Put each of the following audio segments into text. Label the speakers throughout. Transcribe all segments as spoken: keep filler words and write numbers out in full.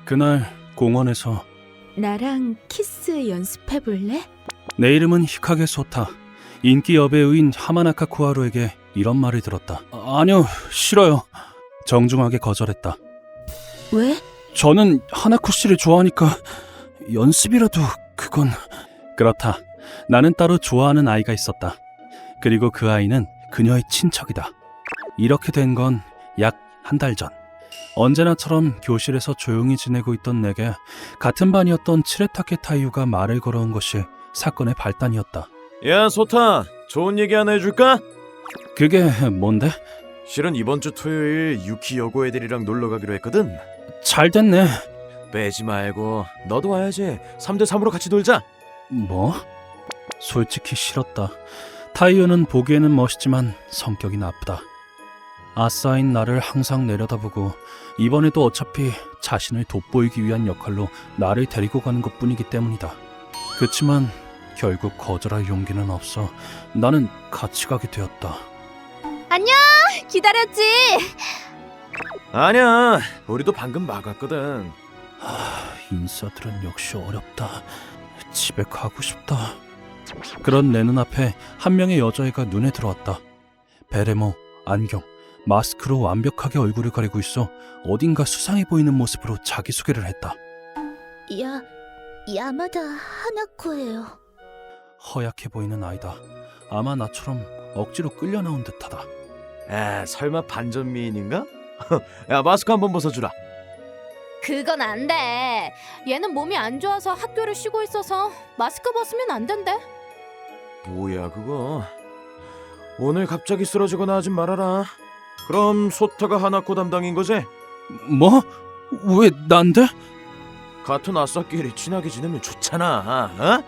Speaker 1: 그날 공원에서
Speaker 2: 나랑 키스 연습해볼래?
Speaker 1: 내 이름은 히카게 소타. 인기 여배우인 하마나카 코하루에게 이런 말을 들었다. 아, 아니요, 싫어요. 정중하게 거절했다.
Speaker 2: 왜?
Speaker 1: 저는 하나코 씨를 좋아하니까 연습이라도 그건... 그렇다. 나는 따로 좋아하는 아이가 있었다. 그리고 그 아이는 그녀의 친척이다. 이렇게 된 건 약 한 달 전. 언제나처럼 교실에서 조용히 지내고 있던 내게 같은 반이었던 츠레타케 타이유가 말을 걸어온 것이 사건의 발단이었다.
Speaker 3: 야, 소타, 좋은 얘기 하나 해줄까?
Speaker 1: 그게 뭔데?
Speaker 3: 실은 이번 주 토요일 유키 여고 애들이랑 놀러 가기로 했거든.
Speaker 1: 잘 됐네.
Speaker 3: 빼지 말고 너도 와야지. 삼 대 삼으로 같이 놀자.
Speaker 1: 뭐? 솔직히 싫었다. 타이유는 보기에는 멋있지만 성격이 나쁘다. 아싸인 나를 항상 내려다보고 이번에도 어차피 자신을 돋보이기 위한 역할로 나를 데리고 가는 것뿐이기 때문이다. 그치만 결국 거절할 용기는 없어 나는 같이 가게 되었다.
Speaker 2: 안녕! 기다렸지?
Speaker 3: 아니야, 우리도 방금 막았거든.
Speaker 1: 하, 인싸들은 역시 어렵다. 집에 가고 싶다. 그런 내 눈앞에 한 명의 여자애가 눈에 들어왔다. 베레모, 안경, 마스크로 완벽하게 얼굴을 가리고 있어 어딘가 수상해 보이는 모습으로 자기소개를 했다.
Speaker 2: 야, 야마다 하나코예요.
Speaker 1: 허약해 보이는 아이다. 아마 나처럼 억지로 끌려 나온 듯하다.
Speaker 3: 에, 설마 반전 미인인가? 야, 마스크 한번 벗어주라.
Speaker 4: 그건 안 돼. 얘는 몸이 안 좋아서 학교를 쉬고 있어서 마스크 벗으면 안 된대.
Speaker 3: 뭐야 그거? 오늘 갑자기 쓰러지거나 하진 말아라. 그럼 소타가 하나코 담당인 거지?
Speaker 1: 뭐? 왜 난데?
Speaker 3: 같은 아싸끼리 친하게 지내면 좋잖아. 어?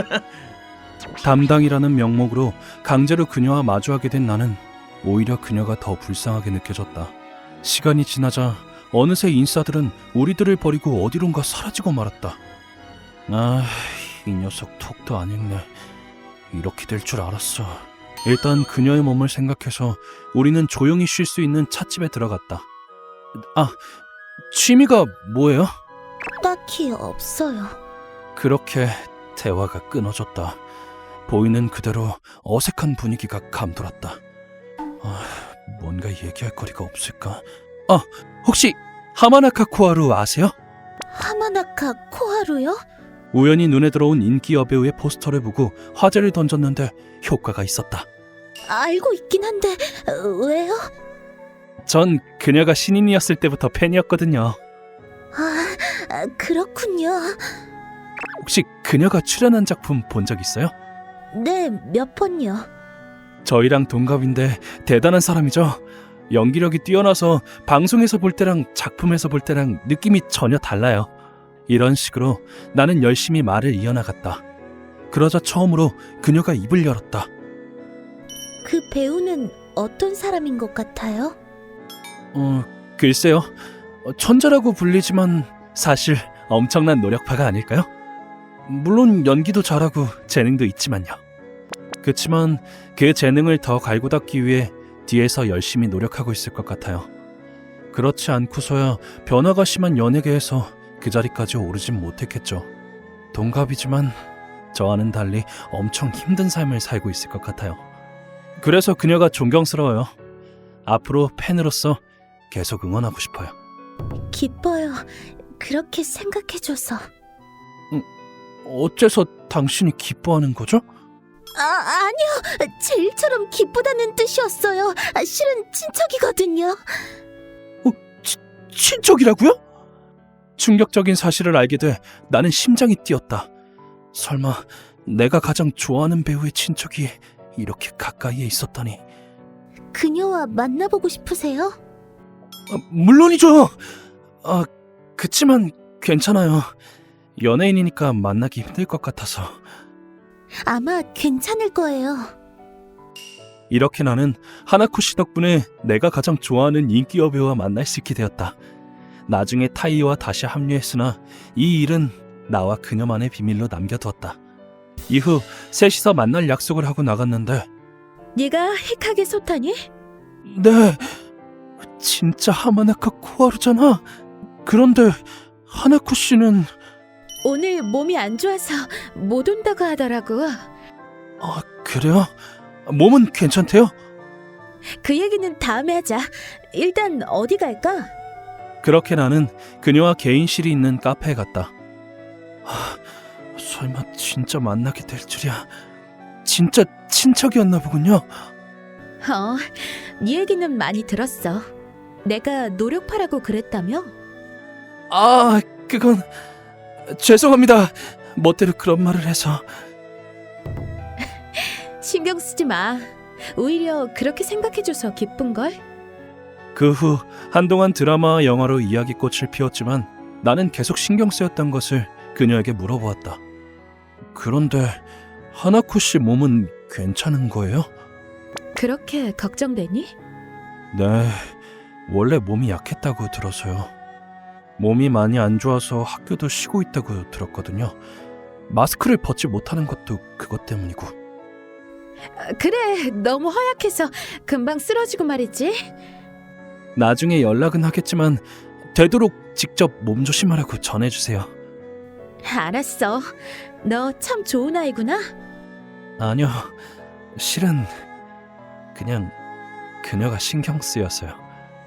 Speaker 1: 담당이라는 명목으로 강제로 그녀와 마주하게 된 나는 오히려 그녀가 더 불쌍하게 느껴졌다. 시간이 지나자 어느새 인싸들은 우리들을 버리고 어디론가 사라지고 말았다. 아, 이 녀석 톡도 안 읽네. 이렇게 될 줄 알았어. 일단 그녀의 몸을 생각해서 우리는 조용히 쉴 수 있는 찻집에 들어갔다. 아, 취미가 뭐예요?
Speaker 2: 딱히 없어요.
Speaker 1: 그렇게 대화가 끊어졌다. 보이는 그대로 어색한 분위기가 감돌았다. 아, 뭔가 얘기할 거리가 없을까? 아, 혹시 하마나카 코하루 아세요?
Speaker 2: 하마나카 코하루요?
Speaker 1: 우연히 눈에 들어온 인기 여배우의 포스터를 보고 화제를 던졌는데 효과가 있었다.
Speaker 2: 알고 있긴 한데 왜요?
Speaker 1: 전 그녀가 신인이었을 때부터 팬이었거든요.
Speaker 2: 아, 그렇군요.
Speaker 1: 혹시 그녀가 출연한 작품 본 적 있어요?
Speaker 2: 네, 몇 번요.
Speaker 1: 저희랑 동갑인데 대단한 사람이죠. 연기력이 뛰어나서 방송에서 볼 때랑 작품에서 볼 때랑 느낌이 전혀 달라요. 이런 식으로 나는 열심히 말을 이어나갔다. 그러자 처음으로 그녀가 입을 열었다.
Speaker 2: 그 배우는 어떤 사람인 것 같아요?
Speaker 1: 어, 글쎄요. 어, 천재라고 불리지만 사실 엄청난 노력파가 아닐까요? 물론 연기도 잘하고 재능도 있지만요. 그치만 그 재능을 더 갈고 닦기 위해 뒤에서 열심히 노력하고 있을 것 같아요. 그렇지 않고서야 변화가 심한 연예계에서 그 자리까지 오르진 못했겠죠. 동갑이지만 저와는 달리 엄청 힘든 삶을 살고 있을 것 같아요. 그래서 그녀가 존경스러워요. 앞으로 팬으로서 계속 응원하고 싶어요.
Speaker 2: 기뻐요. 그렇게 생각해줘서.
Speaker 1: 어째서 당신이 기뻐하는 거죠?
Speaker 2: 아, 아니요. 제 일처럼 기쁘다는 뜻이었어요. 아, 실은 친척이거든요.
Speaker 1: 어, 치, 친척이라고요? 충격적인 사실을 알게 돼 나는 심장이 뛰었다. 설마 내가 가장 좋아하는 배우의 친척이 이렇게 가까이에 있었다니.
Speaker 2: 그녀와 만나보고 싶으세요?
Speaker 1: 아, 물론이죠. 아, 그치만 괜찮아요. 연예인이니까 만나기 힘들 것 같아서.
Speaker 2: 아마 괜찮을 거예요.
Speaker 1: 이렇게 나는 하나코 씨 덕분에 내가 가장 좋아하는 인기 여배우와 만날 수 있게 되었다. 나중에 타이와 다시 합류했으나 이 일은 나와 그녀만의 비밀로 남겨두었다. 이후 셋이서 만날 약속을 하고 나갔는데.
Speaker 2: 네가 히카게 소타니?
Speaker 1: 네, 진짜 하마나카 코하루잖아. 그런데 하나코 씨는
Speaker 2: 오늘 몸이 안 좋아서 못 온다고 하더라고.
Speaker 1: 아, 그래요? 몸은 괜찮대요?
Speaker 2: 그 얘기는 다음에 하자. 일단 어디 갈까?
Speaker 1: 그렇게 나는 그녀와 개인실이 있는 카페에 갔다. 하, 설마 진짜 만나게 될 줄이야. 진짜 친척이었나 보군요.
Speaker 2: 어, 네 얘기는 많이 들었어. 내가 노력파라고 그랬다며?
Speaker 1: 아, 그건 죄송합니다. 멋대로 그런 말을 해서.
Speaker 2: 신경 쓰지 마. 오히려 그렇게 생각해줘서 기쁜걸?
Speaker 1: 그 후 한동안 드라마와 영화로 이야기꽃을 피웠지만 나는 계속 신경 쓰였던 것을 그녀에게 물어보았다. 그런데 하나코 씨 몸은 괜찮은 거예요?
Speaker 2: 그렇게 걱정되니?
Speaker 1: 네, 원래 몸이 약했다고 들어서요. 몸이 많이 안 좋아서 학교도 쉬고 있다고 들었거든요. 마스크를 벗지 못하는 것도 그것 때문이고.
Speaker 2: 아, 그래, 너무 허약해서 금방 쓰러지고 말이지.
Speaker 1: 나중에 연락은 하겠지만 되도록 직접 몸조심하라고 전해주세요.
Speaker 2: 알았어. 너 참 좋은 아이구나.
Speaker 1: 아니요, 실은 그냥 그녀가 신경 쓰여서요.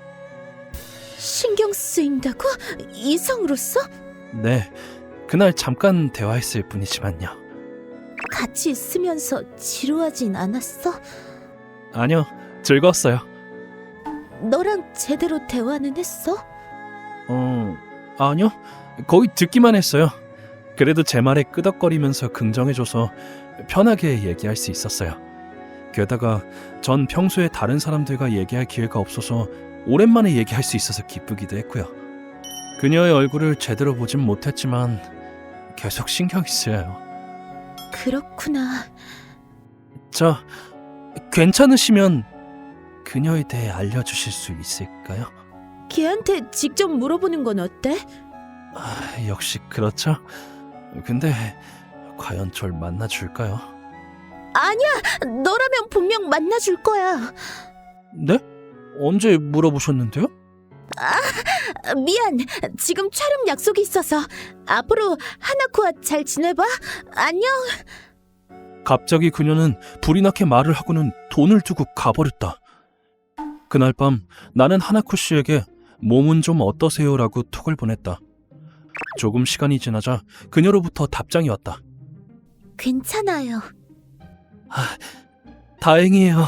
Speaker 2: 신경 쓰인다고? 이성으로서?
Speaker 1: 네, 그날 잠깐 대화했을 뿐이지만요.
Speaker 2: 같이 있으면서 지루하진 않았어?
Speaker 1: 아니요, 즐거웠어요.
Speaker 2: 너랑 제대로 대화는 했어?
Speaker 1: 어, 아니요, 거의 듣기만 했어요. 그래도 제 말에 끄덕거리면서 긍정해줘서 편하게 얘기할 수 있었어요. 게다가 전 평소에 다른 사람들과 얘기할 기회가 없어서 오랜만에 얘기할 수 있어서 기쁘기도 했고요. 그녀의 얼굴을 제대로 보진 못했지만 계속 신경이 쓰여요.
Speaker 2: 그렇구나.
Speaker 1: 저, 괜찮으시면 그녀에 대해 알려주실 수 있을까요?
Speaker 2: 걔한테 직접 물어보는 건 어때?
Speaker 1: 아, 역시 그렇죠. 근데 과연 절 만나줄까요?
Speaker 2: 아니야, 너라면 분명 만나줄 거야.
Speaker 1: 네? 언제 물어보셨는데요?
Speaker 2: 아, 미안, 지금 촬영 약속이 있어서 앞으로 하나코와 잘 지내봐. 안녕.
Speaker 1: 갑자기 그녀는 불이 나게 말을 하고는 돈을 두고 가버렸다. 그날 밤 나는 하나코 씨에게 몸은 좀 어떠세요라고 톡을 보냈다. 조금 시간이 지나자 그녀로부터 답장이 왔다.
Speaker 2: 괜찮아요.
Speaker 1: 아, 다행이에요.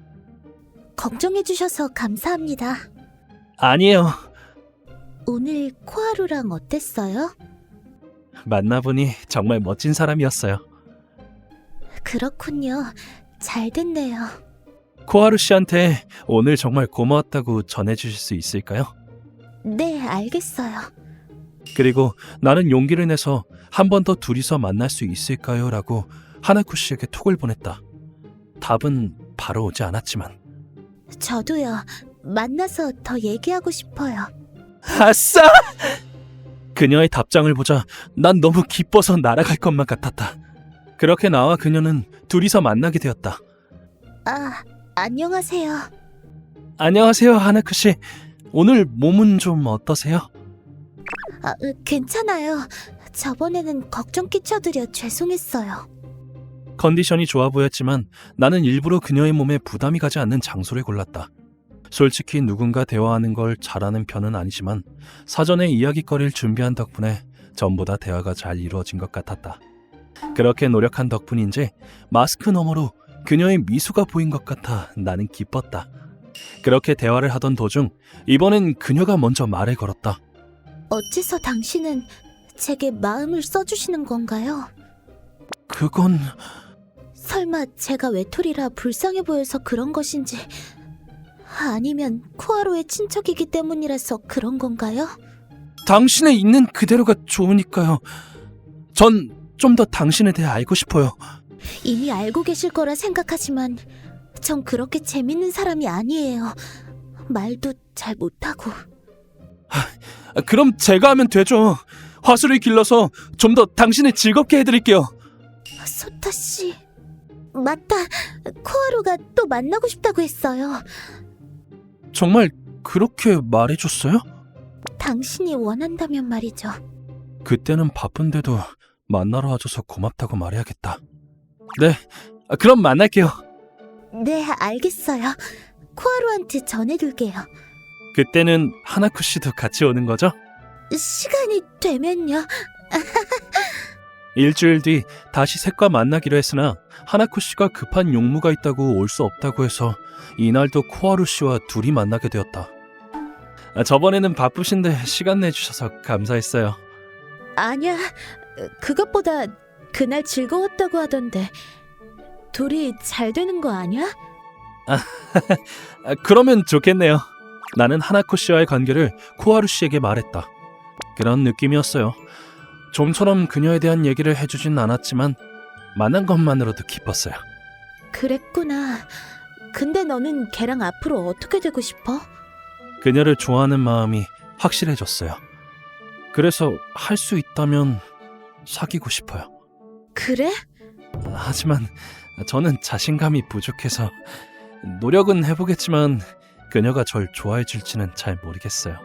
Speaker 2: 걱정해주셔서 감사합니다.
Speaker 1: 아니에요.
Speaker 2: 오늘 코하루랑 어땠어요?
Speaker 1: 만나보니 정말 멋진 사람이었어요.
Speaker 2: 그렇군요. 잘 됐네요.
Speaker 1: 코하루 씨한테 오늘 정말 고마웠다고 전해주실 수 있을까요?
Speaker 2: 네, 알겠어요.
Speaker 1: 그리고 나는 용기를 내서 한 번 더 둘이서 만날 수 있을까요? 라고 하나코 씨에게 톡을 보냈다. 답은 바로 오지 않았지만.
Speaker 2: 저도요. 만나서 더 얘기하고 싶어요.
Speaker 1: 아싸! 그녀의 답장을 보자 난 너무 기뻐서 날아갈 것만 같았다. 그렇게 나와 그녀는 둘이서 만나게 되었다.
Speaker 2: 아, 안녕하세요.
Speaker 1: 안녕하세요, 하나코 씨. 오늘 몸은 좀 어떠세요?
Speaker 2: 아, 으, 괜찮아요. 저번에는 걱정 끼쳐드려 죄송했어요.
Speaker 1: 컨디션이 좋아 보였지만 나는 일부러 그녀의 몸에 부담이 가지 않는 장소를 골랐다. 솔직히 누군가 대화하는 걸 잘하는 편은 아니지만 사전에 이야깃거리를 준비한 덕분에 전보다 대화가 잘 이루어진 것 같았다. 그렇게 노력한 덕분인지 마스크 너머로 그녀의 미소가 보인 것 같아 나는 기뻤다. 그렇게 대화를 하던 도중 이번엔 그녀가 먼저 말을 걸었다.
Speaker 2: 어째서 당신은 제게 마음을 써주시는 건가요?
Speaker 1: 그건...
Speaker 2: 설마 제가 외톨이라 불쌍해 보여서 그런 것인지, 아니면 코하루의 친척이기 때문이라서 그런 건가요?
Speaker 1: 당신의 있는 그대로가 좋으니까요. 전 좀 더 당신에 대해 알고 싶어요.
Speaker 2: 이미 알고 계실 거라 생각하지만 전 그렇게 재밌는 사람이 아니에요. 말도 잘 못하고.
Speaker 1: 그럼 제가 하면 되죠. 화술을 길러서 좀 더 당신을 즐겁게 해드릴게요.
Speaker 2: 소타 씨, 맞다. 코하루가 또 만나고 싶다고 했어요.
Speaker 1: 정말 그렇게 말해줬어요?
Speaker 2: 당신이 원한다면 말이죠.
Speaker 1: 그때는 바쁜데도 만나러 와줘서 고맙다고 말해야겠다. 네, 아, 그럼 만날게요.
Speaker 2: 네, 알겠어요. 코하루한테 전해둘게요.
Speaker 1: 그때는 하나쿠 씨도 같이 오는 거죠?
Speaker 2: 시간이 되면요.
Speaker 1: 일주일 뒤 다시 셋과 만나기로 했으나 하나쿠 씨가 급한 용무가 있다고 올 수 없다고 해서 이날도 코하루 씨와 둘이 만나게 되었다. 아, 저번에는 바쁘신데 시간 내주셔서 감사했어요.
Speaker 2: 아니야, 그것보다 그날 즐거웠다고 하던데 둘이 잘 되는 거 아니야?
Speaker 1: 아, 그러면 좋겠네요. 나는 하나쿠 씨와의 관계를 코하루 씨에게 말했다. 그런 느낌이었어요. 좀처럼 그녀에 대한 얘기를 해주진 않았지만 만난 것만으로도 기뻤어요.
Speaker 2: 그랬구나. 근데 너는 걔랑 앞으로 어떻게 되고 싶어?
Speaker 1: 그녀를 좋아하는 마음이 확실해졌어요. 그래서 할 수 있다면 사귀고 싶어요.
Speaker 2: 그래?
Speaker 1: 하지만 저는 자신감이 부족해서 노력은 해보겠지만 그녀가 절 좋아해 줄지는 잘 모르겠어요.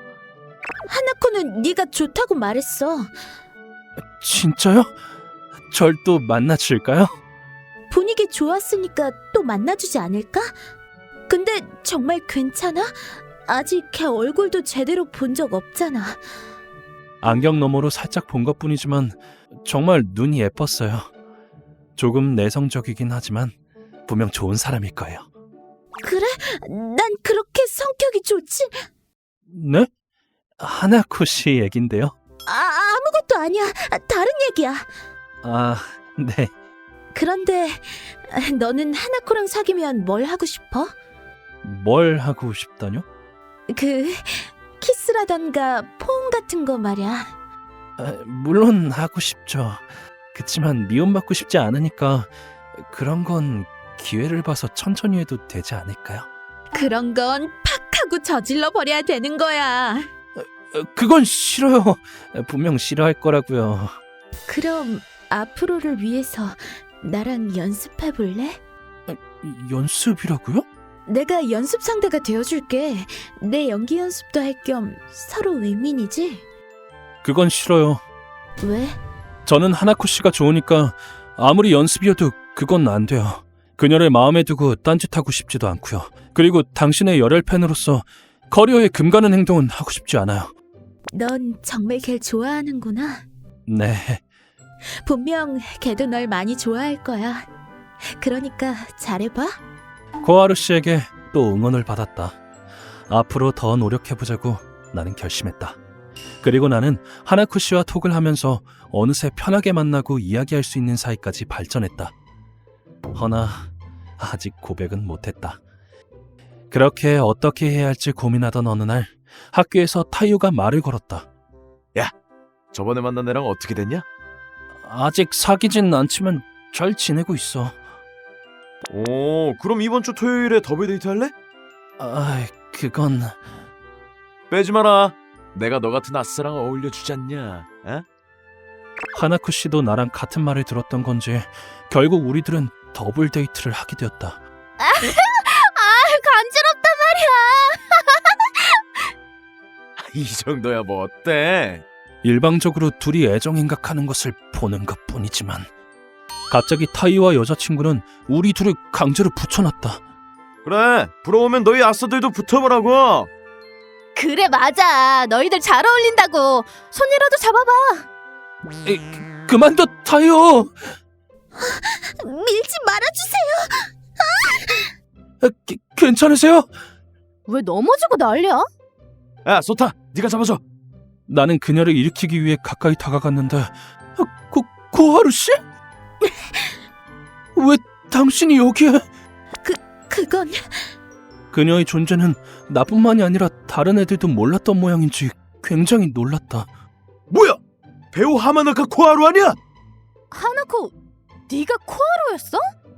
Speaker 2: 하나코는 네가 좋다고 말했어.
Speaker 1: 진짜요? 절 또 만나줄까요?
Speaker 2: 분위기 좋았으니까 또 만나주지 않을까? 근데 정말 괜찮아? 아직 걔 얼굴도 제대로 본 적 없잖아.
Speaker 1: 안경 너머로 살짝 본 것뿐이지만 정말 눈이 예뻤어요. 조금 내성적이긴 하지만 분명 좋은 사람일 거예요.
Speaker 2: 그래? 난 그렇게 성격이 좋지?
Speaker 1: 네? 하나코 씨 얘긴데요.
Speaker 2: 아, 아무것도 아니야. 다른 얘기야.
Speaker 1: 아, 네.
Speaker 2: 그런데 너는 하나코랑 사귀면 뭘 하고 싶어?
Speaker 1: 뭘 하고 싶다뇨?
Speaker 2: 그 키스라던가 포옹 같은 거 말이야.
Speaker 1: 아, 물론 하고 싶죠. 그치만 미움받고 싶지 않으니까 그런 건 기회를 봐서 천천히 해도 되지 않을까요?
Speaker 2: 그런 건 팍 하고 저질러 버려야 되는 거야.
Speaker 1: 어, 그건 싫어요. 분명 싫어할 거라고요.
Speaker 2: 그럼 앞으로를 위해서 나랑 연습해 볼래?
Speaker 1: 연습이라고요?
Speaker 2: 내가 연습 상대가 되어줄게. 내 연기 연습도 할 겸 서로 윈윈이지?
Speaker 1: 그건 싫어요.
Speaker 2: 왜?
Speaker 1: 저는 하나코 씨가 좋으니까 아무리 연습이어도 그건 안 돼요. 그녀를 마음에 두고 딴짓하고 싶지도 않고요. 그리고 당신의 열혈 팬으로서 커리어에 금가는 행동은 하고 싶지 않아요.
Speaker 2: 넌 정말 걔 좋아하는구나.
Speaker 1: 네.
Speaker 2: 분명 걔도 널 많이 좋아할 거야. 그러니까 잘해봐.
Speaker 1: 코하루 씨에게 또 응원을 받았다. 앞으로 더 노력해보자고 나는 결심했다. 그리고 나는 하나쿠 씨와 톡을 하면서 어느새 편하게 만나고 이야기할 수 있는 사이까지 발전했다. 허나 아직 고백은 못했다. 그렇게 어떻게 해야 할지 고민하던 어느 날 학교에서 타이오가 말을 걸었다.
Speaker 3: 저번에 만난 애랑 어떻게 됐냐?
Speaker 1: 아직 사귀진 않지만 잘 지내고 있어.
Speaker 3: 오, 그럼 이번 주 토요일에 더블 데이트 할래?
Speaker 1: 아, 그건...
Speaker 3: 빼지 마라. 내가 너 같은 아싸랑 어울려 주지 않냐? 에?
Speaker 1: 하나쿠 씨도 나랑 같은 말을 들었던 건지 결국 우리들은 더블 데이트를 하게 되었다.
Speaker 4: 아, 간지럽단 말이야.
Speaker 3: 이 정도야 뭐 어때?
Speaker 1: 일방적으로 둘이 애정행각하는 것을 보는 것뿐이지만 갑자기 타이와 여자친구는 우리 둘을 강제로 붙여놨다.
Speaker 3: 그래, 부러우면 너희 아싸들도 붙어보라고.
Speaker 4: 그래, 맞아. 너희들 잘 어울린다고. 손이라도 잡아봐.
Speaker 1: 에이, 그만둬, 타이오!
Speaker 2: 밀지 말아주세요.
Speaker 1: 아, 기, 괜찮으세요?
Speaker 4: 왜 넘어지고 난리야?
Speaker 3: 야, 소타, 네가 잡아줘.
Speaker 1: 나는 그녀를 일으키기 위해 가까이 다가갔는데 아, 고, 고하루 씨? 왜 당신이 여기에?
Speaker 2: 그건
Speaker 1: 그녀의 존재는 나뿐만이 아니라 다른 애들도 몰랐던 모양인지 굉장히 놀랐다.
Speaker 3: 뭐야? 배우 하마나카 코하루 아니야?
Speaker 4: 하나코, 네가 코하루였어?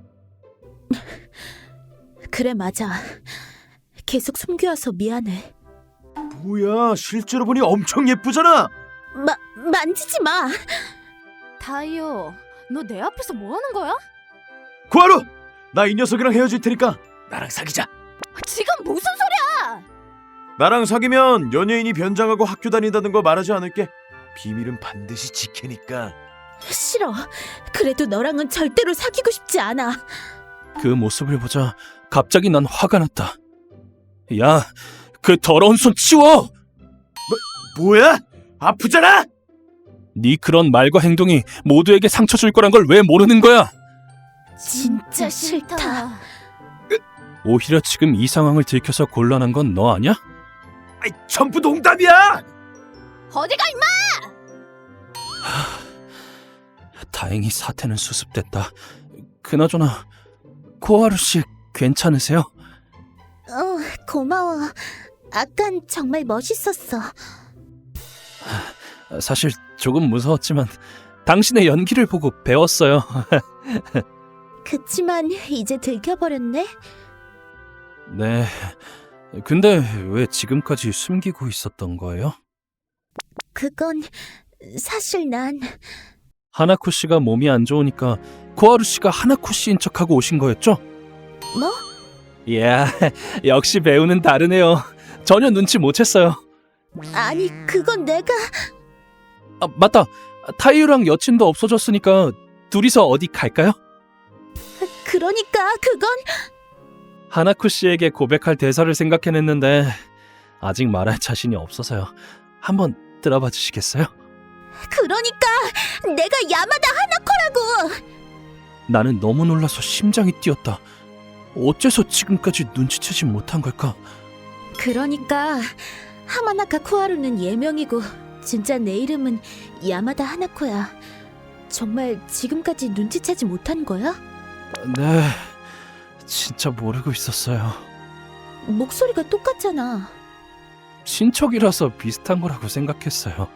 Speaker 2: 그래, 맞아. 계속 숨겨와서 미안해.
Speaker 3: 뭐야, 실제로 보니 엄청 예쁘잖아.
Speaker 2: 마, 만지지 마.
Speaker 4: 다이오, 너 내 앞에서 뭐 하는 거야?
Speaker 3: 코하루, 나 이 녀석이랑 헤어질 테니까 나랑 사귀자.
Speaker 4: 지금 무슨 소리야?
Speaker 3: 나랑 사귀면 연예인이 변장하고 학교 다닌다는 거 말하지 않을게. 비밀은 반드시 지키니까.
Speaker 2: 싫어. 그래도 너랑은 절대로 사귀고 싶지 않아.
Speaker 1: 그 모습을 보자 갑자기 난 화가 났다. 야, 그 더러운 손 치워!
Speaker 3: 뭐야? 아프잖아!
Speaker 1: 네 그런 말과 행동이 모두에게 상처 줄 거란 걸 왜 모르는 거야?
Speaker 2: 진짜 싫다.
Speaker 1: 오히려 지금 이 상황을 들켜서 곤란한 건 너 아니야?
Speaker 3: 아이, 전부 농담이야!
Speaker 4: 어디가 임마!
Speaker 1: 다행히 사태는 수습됐다. 그나저나 코하루 씨 괜찮으세요?
Speaker 2: 어, 고마워. 아깐 정말 멋있었어.
Speaker 1: 사실 조금 무서웠지만 당신의 연기를 보고 배웠어요.
Speaker 2: 그치만 이제 들켜버렸네.
Speaker 1: 네. 근데 왜 지금까지 숨기고 있었던 거예요?
Speaker 2: 그건 사실 난
Speaker 1: 하나코 씨가 몸이 안 좋으니까 코하루 씨가 하나코 씨인 척하고 오신 거였죠?
Speaker 2: 뭐?
Speaker 1: 이야, 역시 배우는 다르네요. 전혀 눈치 못 챘어요.
Speaker 2: 아니 그건 내가
Speaker 1: 아, 맞다. 타이유랑 여친도 없어졌으니까 둘이서 어디 갈까요?
Speaker 2: 그러니까 그건
Speaker 1: 하나코 씨에게 고백할 대사를 생각해냈는데 아직 말할 자신이 없어서요. 한번 들어봐 주시겠어요?
Speaker 2: 그러니까 내가 야마다 하나코라고.
Speaker 1: 나는 너무 놀라서 심장이 뛰었다. 어째서 지금까지 눈치채지 못한 걸까?
Speaker 2: 그러니까 하마나카 코하루는 예명이고 진짜 내 이름은 야마다 하나코야. 정말 지금까지 눈치채지 못한 거야?
Speaker 1: 네, 진짜 모르고 있었어요.
Speaker 2: 목소리가 똑같잖아.
Speaker 1: 친척이라서 비슷한 거라고 생각했어요.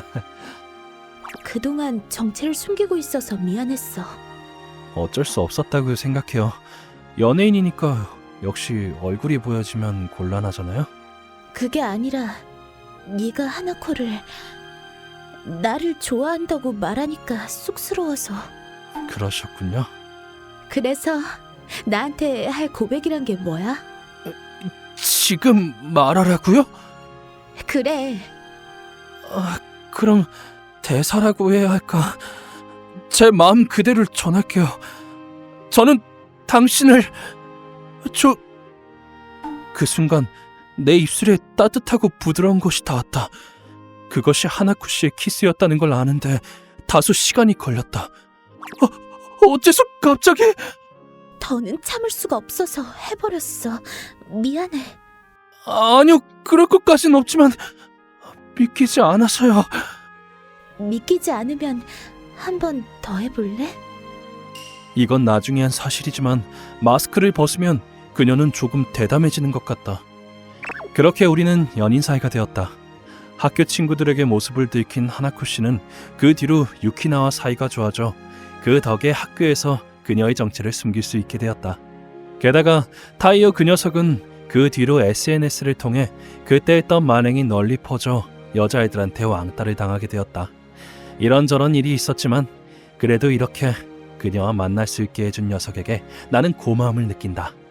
Speaker 2: 그동안 정체를 숨기고 있어서 미안했어.
Speaker 1: 어쩔 수 없었다고 생각해요. 연예인이니까 역시 얼굴이 보여지면 곤란하잖아요.
Speaker 2: 그게 아니라 네가 하나코를 나를 좋아한다고 말하니까 쑥스러워서.
Speaker 1: 그러셨군요.
Speaker 2: 그래서 나한테 할 고백이란 게 뭐야?
Speaker 1: 지금 말하라고요?
Speaker 2: 그래.
Speaker 1: 아, 그럼 대사라고 해야 할까? 제 마음 그대로 전할게요. 저는 당신을 저... 그 순간 내 입술에 따뜻하고 부드러운 것이 닿았다. 그것이 하나쿠 씨의 키스였다는 걸 아는데 다소 시간이 걸렸다. 어, 어째서 갑자기...
Speaker 2: 더는 참을 수가 없어서 해버렸어. 미안해.
Speaker 1: 아니요, 그럴 것까진 없지만 믿기지 않아서요.
Speaker 2: 믿기지 않으면 한 번 더 해볼래?
Speaker 1: 이건 나중에 한 사실이지만 마스크를 벗으면 그녀는 조금 대담해지는 것 같다. 그렇게 우리는 연인 사이가 되었다. 학교 친구들에게 모습을 들킨 하나코 씨는 그 뒤로 유키나와 사이가 좋아져 그 덕에 학교에서 그녀의 정체를 숨길 수 있게 되었다. 게다가 타이어 그 녀석은 그 뒤로 에스엔에스를 통해 그때 했던 만행이 널리 퍼져 여자애들한테 왕따를 당하게 되었다. 이런저런 일이 있었지만 그래도 이렇게 그녀와 만날 수 있게 해준 녀석에게 나는 고마움을 느낀다.